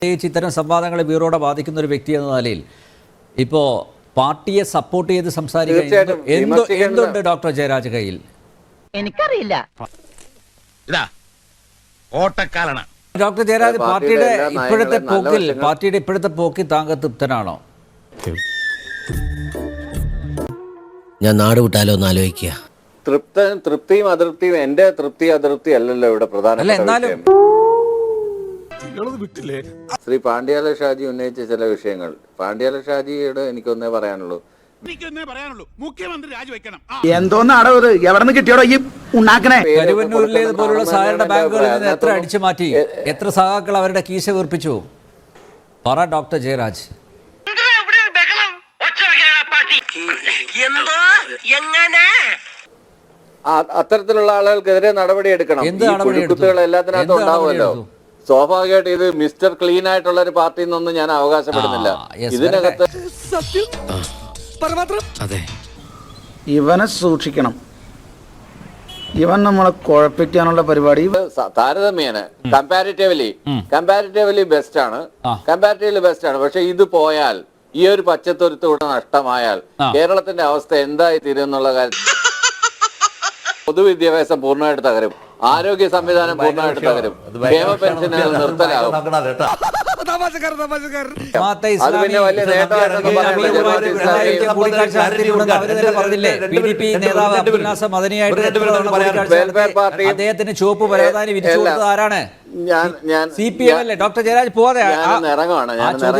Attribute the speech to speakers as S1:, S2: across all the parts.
S1: ഇത്തരം സംവാദങ്ങളെ ബ്യൂറോടെ ബാധിക്കുന്ന ഒരു വ്യക്തി എന്ന നിലയിൽ ഇപ്പോൾ പാർട്ടിയെ സപ്പോർട്ട് ചെയ്ത് സംസാരിക്കാൻ എന്തുണ്ട് ഡോക്ടർ ജയരാജ് കയ്യിൽ?
S2: എനിക്കറിയില്ല.
S1: ഡോക്ടർ ജയരാജ്, പാർട്ടിയുടെ ഇപ്പോഴത്തെ പോക്കിൽ താങ്കൾ തൃപ്തനാണോ?
S3: ഞാൻ നാട് വിട്ടാലോ എന്ന് ആലോചിക്കുക.
S4: തൃപ്തിയും അതൃപ്തിയും എന്റെ അതൃപ്തി അല്ലല്ലോ ഇവിടെ പ്രധാന. ശ്രീ പാണ്ഡ്യാല ഷാജി ഉന്നയിച്ച ചില വിഷയങ്ങൾ, പാണ്ഡ്യാല ഷാജിയോട് എനിക്കൊന്നേ പറയാനുള്ളൂ.
S5: മുഖ്യമന്ത്രി രാജിവെക്കണം.
S6: എന്തോന്നാടോ ഇത്? എവിടെ നിന്ന് കിട്ടിയോടോ ഈ ഉണ്ടാക്കണേ?
S1: കരുവന്നൂരിലേതുപോലുള്ള സഹകരണ ബാങ്കുകളിൽ നിന്ന് എത്ര അടിച്ചു മാറ്റി, എത്ര സഹാക്കൾ അവരുടെ കീശ വീർപ്പിച്ചു? പറ ഡോക്ടർ ജയരാജ്.
S4: അത്തരത്തിലുള്ള ആളുകൾക്കെതിരെ നടപടി എടുക്കണം. കുത്തുകൾ എല്ലാത്തിനകത്തും ഉണ്ടാവുമല്ലോ. സ്വാഭാവികമായിട്ട് ഇത് മിസ്റ്റർ ക്ലീൻ ആയിട്ടുള്ള ഒരു പാർട്ടി എന്നൊന്നും ഞാൻ അവകാശപ്പെടുന്നില്ല. ഇതിനകത്ത്
S6: ഇവനെ സൂക്ഷിക്കണം. ഇവൻ നമ്മളെ കുഴപ്പിക്കാനുള്ള പരിപാടി
S4: താരതമ്യേന കമ്പാരിറ്റീവ്ലി ബെസ്റ്റ് ആണ്. പക്ഷെ ഇത് പോയാൽ, ഈ ഒരു പച്ചത്തുരുത്തൂടെ നഷ്ടമായാൽ കേരളത്തിന്റെ അവസ്ഥ എന്തായി തീരും എന്നുള്ള കാര്യം. പൊതുവിദ്യാഭ്യാസം പൂർണ്ണമായിട്ട് തകരും, ആരോഗ്യ സംവിധാനം പൂർണ്ണമായിട്ട് തകരും, ക്ഷേമ പെൻഷനുകൾ നിർത്തലാകും. അത് പിന്നെ വലിയ നേട്ടമായിട്ടൊന്നും
S1: അദ്ദേഹത്തിന് ചുവപ്പ് പരവതാനി വിരിച്ചു കൊടുത്തത് ആരാണ്? CPM അല്ലേ? ഡോക്ടർ ജയരാജ് പോവാതെ
S4: ഇറങ്ങുവാണ്.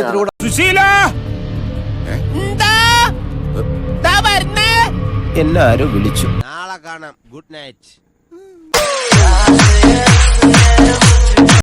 S3: എല്ലാരും വിളിച്ചു.
S7: നാളെ കാണാം. Good night.